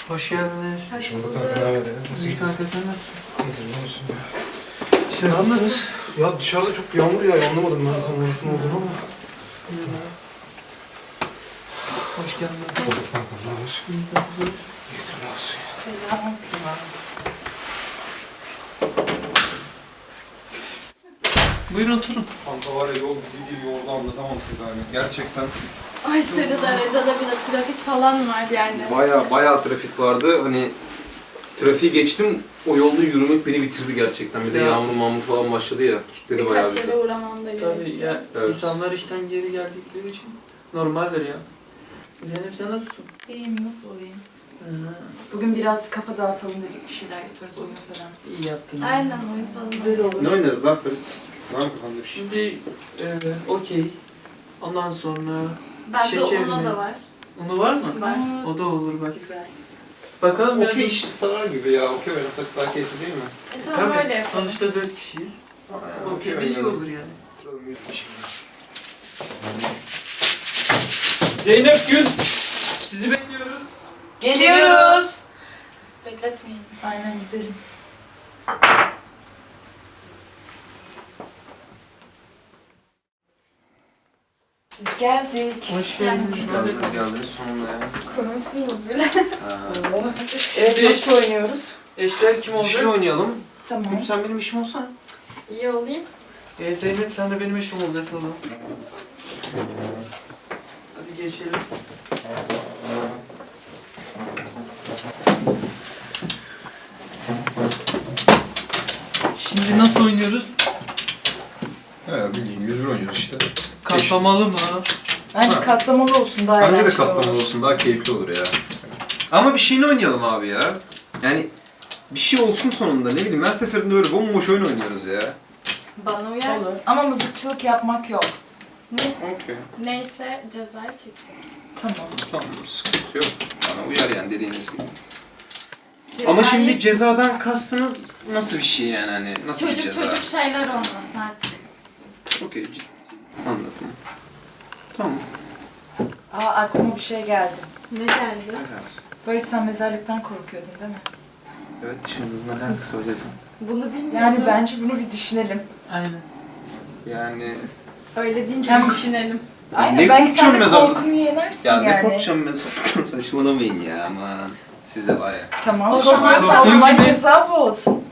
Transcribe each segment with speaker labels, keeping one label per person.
Speaker 1: Hoş geldiniz.
Speaker 2: Hoş bulduk.
Speaker 1: İyi kanka sen nasılsın?
Speaker 3: Ne olsun ya?
Speaker 1: Dışarısı nasıl?
Speaker 3: Ya dışarıda çok yağmur ya, anlamadım ben tam olarak ne olduğunu ama.
Speaker 1: Hoş geldiniz.
Speaker 3: Bulduk kanka, ne haber?
Speaker 1: İyi kanka.
Speaker 3: İyidir, ne olsun ya?
Speaker 2: Selam.
Speaker 1: Buyurun oturun.
Speaker 3: Kanka var ya, yol bizi bir yordu, anlatamam size hani. Gerçekten.
Speaker 2: Aşırı derecede bir de trafik falan var yani.
Speaker 3: Baya trafik vardı. Hani trafiği geçtim, o yolda yürümek beni bitirdi gerçekten. Bir de
Speaker 1: Ya.
Speaker 3: yağmur falan başladı ya. Kitledi bayağı
Speaker 2: Birkaç
Speaker 3: bizi.
Speaker 2: yere uğramam da
Speaker 1: Tabii
Speaker 2: gerekti.
Speaker 1: ya
Speaker 3: Evet.
Speaker 1: insanlar işten geri geldikleri için normaldir ya. Zeynep sen nasılsın?
Speaker 2: İyiyim, nasıl olayım?
Speaker 1: Hı.
Speaker 2: Bugün biraz kafa dağıtalım dedik, bir şeyler yaparız, oyun falan.
Speaker 1: İyi yaptın.
Speaker 2: Aynen, oyun falan. Güzel olur.
Speaker 3: Ne oynarız, ne yaparız? Ne yapalım kafanda bir şey?
Speaker 1: Şimdi okey. Ondan sonra
Speaker 2: Bende
Speaker 1: şeker
Speaker 2: ona
Speaker 1: mi?
Speaker 2: da var.
Speaker 1: onu var mı?
Speaker 2: Var.
Speaker 1: O da olur bak.
Speaker 2: Güzel.
Speaker 1: Bakalım ya.
Speaker 3: Okey işi sarar gibi ya, okey oynasak daha keyifli değil mi?
Speaker 2: Tamam,
Speaker 1: Tabii.
Speaker 2: öyle yapalım.
Speaker 1: Sonuçta 4 kişiyiz. Okey de iyi olur yani. Zeynep Gül, sizi bekliyoruz.
Speaker 2: Geliyoruz. Bekletmeyin. Aynen, gidelim. Biz geldik.
Speaker 1: Hoş geldiniz.
Speaker 3: Hoş geldiniz sonunda ya.
Speaker 2: Konuşsunuz bile.
Speaker 1: Evet,
Speaker 2: Nasıl oynuyoruz?
Speaker 1: Eşler kim
Speaker 3: Bir
Speaker 1: olacak?
Speaker 3: şey oynayalım.
Speaker 2: Tamam.
Speaker 3: Gül sen benim işim olsana.
Speaker 2: İyi olayım.
Speaker 1: Zeynep sen de benim eşim olacaksın o zaman. Hadi geçelim. Şimdi nasıl oynuyoruz?
Speaker 3: He bildiğin 101 oynuyoruz işte.
Speaker 1: Katlamalı mı?
Speaker 2: Bence
Speaker 3: Ha.
Speaker 2: katlamalı olsun, daha
Speaker 3: Bence de
Speaker 2: eğlenceli
Speaker 3: katlamalı
Speaker 2: olur.
Speaker 3: olsun, daha keyifli olur ya. Ama bir şeyini oynayalım abi ya. Yani bir şey olsun sonunda, ne bileyim, her seferinde böyle bomboş oyun oynuyoruz ya.
Speaker 2: Bana uyar.
Speaker 4: Olur. Ama mızıkçılık yapmak yok.
Speaker 3: Okey.
Speaker 2: Neyse cezayı çekeceğim.
Speaker 4: Tamam.
Speaker 3: Tamam, sıkıntı yok. Bana uyar yani dediğiniz gibi.
Speaker 2: Cezayı-
Speaker 3: Ama şimdi cezadan kastınız nasıl bir şey yani, hani nasıl bir
Speaker 2: çocuk
Speaker 3: ceza?
Speaker 2: çocuk şeyler olmasın artık.
Speaker 3: Okey, ciddi. Anladım. Tamam.
Speaker 4: Aa, aklıma bir şey geldi.
Speaker 2: Ne geldi?
Speaker 4: Barış, sen mezarlıktan korkuyordun değil mi?
Speaker 3: Evet, şimdi bunlar alakası var ceza.
Speaker 2: Bunu bilmiyordum.
Speaker 4: Yani bence bunu bir düşünelim.
Speaker 1: Aynen.
Speaker 3: Yani...
Speaker 2: Öyle deyince
Speaker 4: Hem-
Speaker 2: düşünelim.
Speaker 4: Aynen,
Speaker 3: ne
Speaker 4: belki
Speaker 3: korkacağım
Speaker 4: sen de
Speaker 3: mezarlık?
Speaker 4: korkunu yenersin
Speaker 3: Ya
Speaker 4: yani.
Speaker 3: ne korkacağım mezarlıktan, saçmalamayın ya aman. Siz de var ya.
Speaker 4: Tamam,
Speaker 2: O zaman
Speaker 4: korkmuyorsan o
Speaker 1: korktuğun
Speaker 4: zaman
Speaker 1: gibi-
Speaker 4: ceza bu olsun.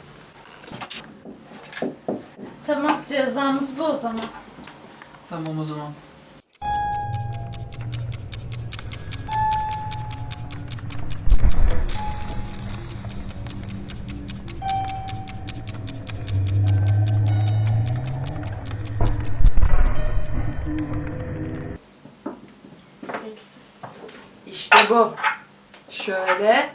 Speaker 2: Tamam, cezamız bu o zaman.
Speaker 1: Tamam o zaman.
Speaker 2: Eksiz.
Speaker 4: İşte bu. Şöyle.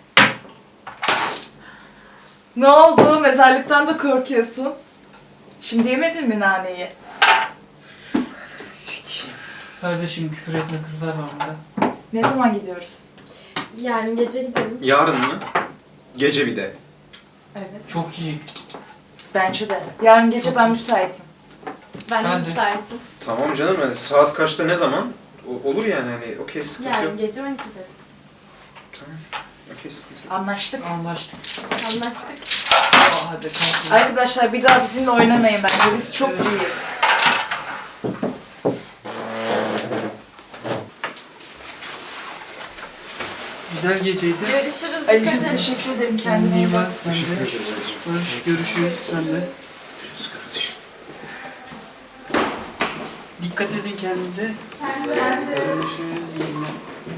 Speaker 4: Ne oldu? Mezarlıktan da korkuyorsun. Şimdi yemedin mi naneyi?
Speaker 3: Sikiyim.
Speaker 1: Kardeşim küfür etme, kızlar var burada.
Speaker 4: Ne zaman gidiyoruz?
Speaker 2: Yani gece gidelim.
Speaker 3: Yarın mı? Gece bir de.
Speaker 4: Evet.
Speaker 1: Çok iyi.
Speaker 4: Bence de. Yarın gece
Speaker 1: Çok
Speaker 4: ben
Speaker 1: iyi.
Speaker 4: müsaitim.
Speaker 2: Ben de
Speaker 1: Ben de.
Speaker 2: müsaitim.
Speaker 3: Tamam canım, hani saat kaçta, ne zaman? Olur yani, hani okey, sıkıntı yok.
Speaker 2: Yarın gece 12'de.
Speaker 3: Tamam. Okey, sıkıntı yok.
Speaker 4: Anlaştık.
Speaker 1: Anlaştık.
Speaker 2: Anlaştık.
Speaker 1: Hadi kalkın.
Speaker 4: Arkadaşlar bir daha bizimle oynamayın bence. Biz çok
Speaker 1: Evet.
Speaker 4: iyiyiz.
Speaker 1: Güzel geceydi.
Speaker 2: Görüşürüz.
Speaker 4: Ali'cim
Speaker 2: dikkat et.
Speaker 4: teşekkür ederim.
Speaker 1: Kendine
Speaker 4: Kendine
Speaker 1: iyi
Speaker 4: iyi
Speaker 1: bak
Speaker 4: bak.
Speaker 1: sen de. Barış görüşürüz sen de.
Speaker 3: Görüşürüz kardeşim.
Speaker 1: Dikkat edin kendinize.
Speaker 2: Sen de.
Speaker 1: Görüşürüz. İyi günler.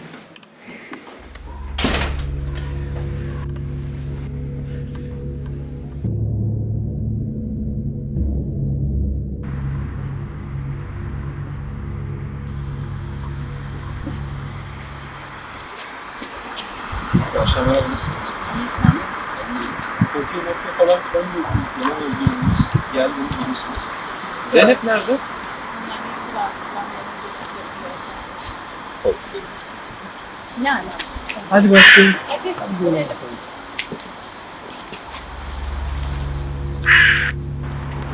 Speaker 3: Arkadaşlar merhaba, nasılsınız?
Speaker 2: İyisin.
Speaker 3: Korkuyor falan filan diyorsunuz. Bana özgürlüğünüz. Geldim, biliyorsunuz. Zeynep nerede?
Speaker 2: Annesi rahatsızlanmayanın gerekiyor. Yani.
Speaker 3: Hadi başlayalım.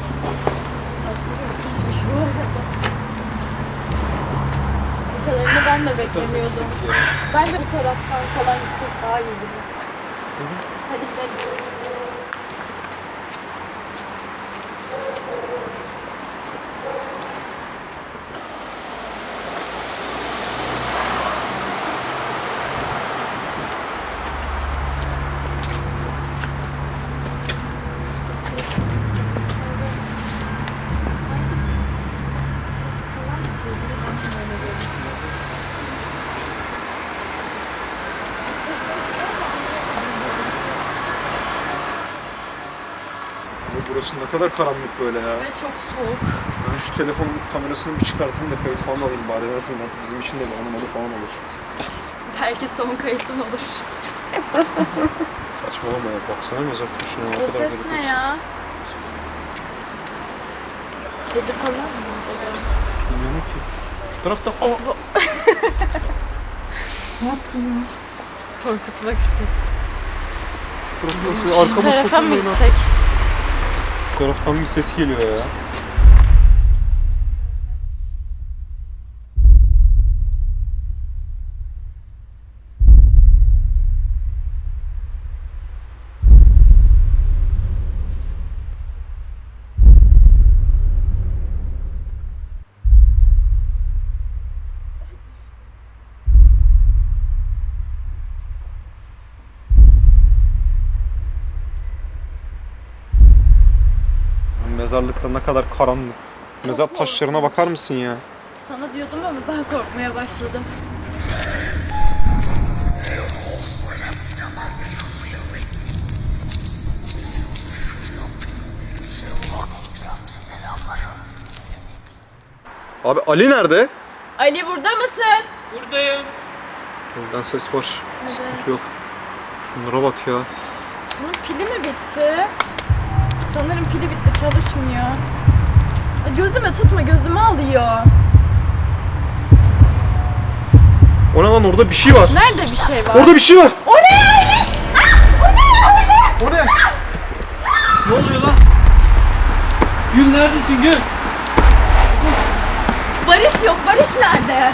Speaker 2: Bu kadarını ben
Speaker 5: Ben de beklemiyordum. Bence bu taraftan falan gitsek daha iyi gibi. Hadi gidelim.
Speaker 3: Burası ne kadar karanlık böyle ya.
Speaker 2: Ve çok soğuk.
Speaker 3: Ben şu telefonun kamerasını bir çıkartayım da kayıt falan alayım bari en azından. Bizim için de bir anımalı falan olur.
Speaker 2: Belki son kayıtın olur.
Speaker 3: Saçmalama ya. Baksana mezar taşına ne
Speaker 5: O
Speaker 3: kadar
Speaker 5: ses
Speaker 3: garip.
Speaker 5: ne ya? Kedi falan mı acaba?
Speaker 3: Bilmiyorum ki. Şu tarafta...
Speaker 4: Ne yaptın ya?
Speaker 2: Korkutmak istedim.
Speaker 3: Arkamı
Speaker 5: Tarafa mı
Speaker 3: sokmayın ha.
Speaker 5: gitsek?
Speaker 3: Bu taraftan bir ses geliyor ya. Mezarlıkta ne kadar karanlık. Mezar taşlarına bakar mısın ya?
Speaker 5: Sana diyordum ama ben korkmaya başladım.
Speaker 3: Abi Ali nerede?
Speaker 5: Ali burada mısın?
Speaker 1: Buradayım.
Speaker 3: Buradan ses var.
Speaker 5: Evet.
Speaker 3: Yok. Şunlara bak ya.
Speaker 5: Bunun pili mi bitti? Sanırım pili bitti, çalışmıyor. Ay, gözüme tutma, gözümü alıyor.
Speaker 3: O ne lan, orada bir şey var.
Speaker 5: Nerede bir şey var?
Speaker 3: Orada bir şey var.
Speaker 5: O ne Ali?
Speaker 3: O ne?
Speaker 1: Ne oluyor lan? Gül neredesin Gül?
Speaker 5: Barış yok, Barış nerede?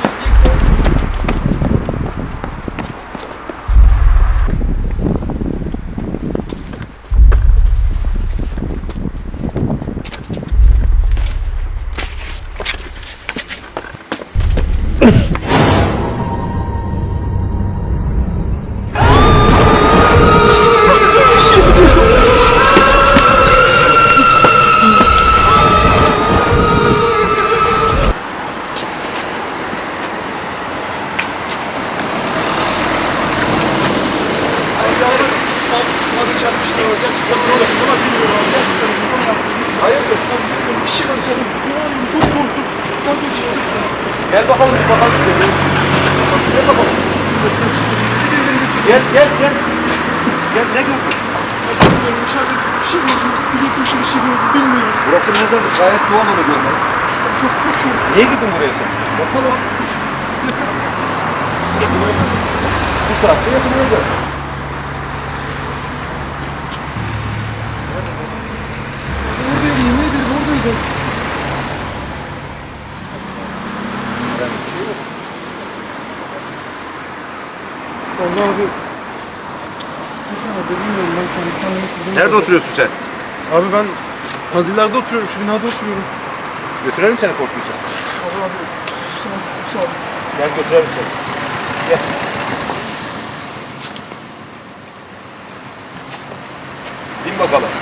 Speaker 3: Gel bakalım, bir bakalım şuraya. Gel bakalım. Gel, gel, gel. Gel, ne gördün?
Speaker 1: Bilmiyorum, içeride bir şey gördüm, silikli bir şey gördüm, bilmiyorum.
Speaker 3: Burası mezarlık, gayet doğal onu görmek.
Speaker 1: Çok korkuyorum.
Speaker 3: Niye girdin buraya sen? Bakalım. Bu saatte yakınıyordu.
Speaker 1: Oradaydı, yemin ederim oradaydı. Vallahi abi. Bilmiyorum, ben kendi kendime kurdum.
Speaker 3: Nerede oturuyorsun sen?
Speaker 1: Abi ben Haziller'de oturuyorum, şu binada oturuyorum.
Speaker 3: Götürelim seni korktuysa.
Speaker 1: Allah abi, çok sağ ol.
Speaker 3: Gel götürelim seni. Gel. Bin bakalım.